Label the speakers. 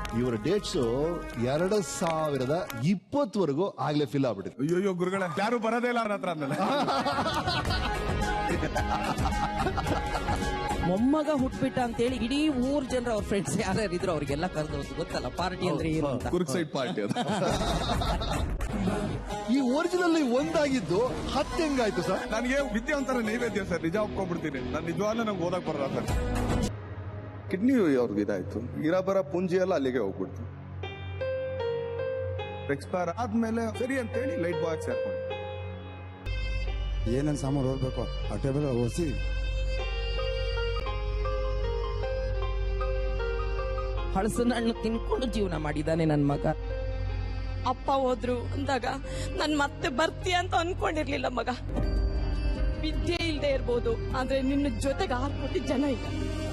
Speaker 1: ಇವರ ಡೇಟ್ಸ್ 2020 ಆಗ್ಲೇ ಫಿಲ್ ಆಗ್ಬಿಟ್ಟಿದೆ.
Speaker 2: ಅಯ್ಯೋ ಗುರುಗಳೇ, ಯಾರು ಬರೋದೇ ಇಲ್ಲ ಅವ್ರ ಹತ್ರ ಅಂದಲ್ಲ.
Speaker 3: ಮೊಮ್ಮಗ ಹುಟ್ಬಿಟ್ಟ ಅಂತೇಳಿ ಇಡೀ ಊರ್ ಜನರು ಅವ್ರ ಫ್ರೆಂಡ್ಸ್ ಯಾರ್ಯಾರಿದ್ರು ಅವ್ರಿಗೆಲ್ಲ ಕರೆದು ಗೊತ್ತಲ್ಲ ಪಾರ್ಟಿ ಅಂದ್ರೆ ಏನು ಅಂತ.
Speaker 2: ಕುರ್ಕ್ ಸೈಡ್ ಪಾರ್ಟಿ ಅದು.
Speaker 1: ಈ ಒರಿಜಿನಲ್ ಒಂದಾಗಿದ್ದು 10 ಹೆಂಗಾಯ್ತು ಸರ್?
Speaker 2: ನನಗೆ ವಿದ್ಯೆ ಒಂಥರ ನೈವೇದ್ಯ ಸರ್, ನಿಜ ಒಪ್ಕೊಂಡ್ಬಿಡ್ತೀನಿ. ನಾನು ನಿಜವಾಗ್ಲೂ ನಂಗೆ ಓದಕ್ ಬರಲ್ಲ ಸರ್. ಕಿಡ್ನಿ ಅವ್ರಿಗೆ ಇದಾಯ್ತು, ಇರಬರ ಪುಂಜಿ ಎಲ್ಲ ಅಲ್ಲಿಗೆ ಹೋಗ್ಬಿಡ್ತು. ಎಕ್ಸ್ಪೈರ್ ಆದ್ಮೇಲೆ ಸರಿ ಅಂತೇಳಿ ಲೈಟ್ ಬಾಯ್ ಸೇರ್ಕೊಂಡು
Speaker 4: ಏನೇನ್ ಸಾಮಾನು ಹೋಗ್ಬೇಕು ಆ ಟೇಬಲ್ ಓದಿಸಿ
Speaker 3: ಹಳಸಿನ ಹಣ್ಣು ತಿನ್ಕೊಂಡು ಜೀವನ ಮಾಡಿದಾನೆ ನನ್ ಮಗ.
Speaker 5: ಅಪ್ಪ ಹೋದ್ರು ಅಂದಾಗ ನನ್ ಮತ್ತೆ ಬರ್ತೀಯ ಅಂತ ಅನ್ಕೊಂಡಿರ್ಲಿಲ್ಲ ಮಗ. ವಿದ್ಯೆ ಇಲ್ದೇ ಇರ್ಬೋದು, ಆದ್ರೆ ನಿನ್ನ ಜೊತೆಗೆ 6 ಕೋಟಿ ಜನ ಇಲ್ಲ.